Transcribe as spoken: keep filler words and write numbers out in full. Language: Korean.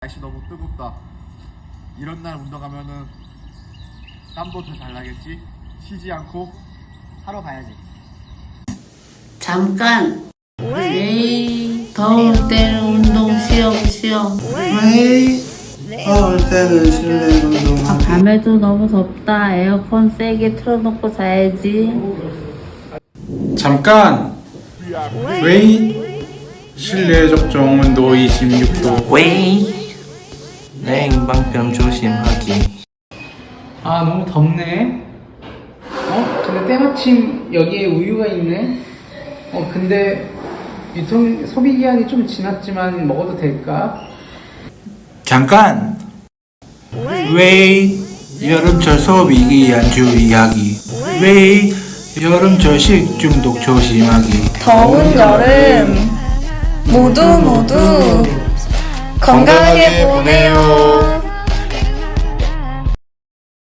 날씨 너무 뜨겁다. 이런 날 운동하면은 땀도 더 잘 나겠지? 쉬지 않고 하러 가야지. 잠깐! 왜 더울 때는 운동 쉬엄쉬엄. 왜 더울 때는 실내 운동하기. 밤에도 너무 덥다. 에어컨 세게 틀어놓고 자야지. 잠깐! 왜 실내 적정 온도 이십육 도. 왜 냉방병 조심하기. 아 너무 덥네. 어? 근데 때마침 여기에 우유가 있네. 어 근데 유통 소비 기한이 좀 지났지만 먹어도 될까? 잠깐! 왜 여름철 소비 기한 주의하기. 왜 여름철 식중독 조심하기. 더운 여름 모두 모두 건강하게 보내요.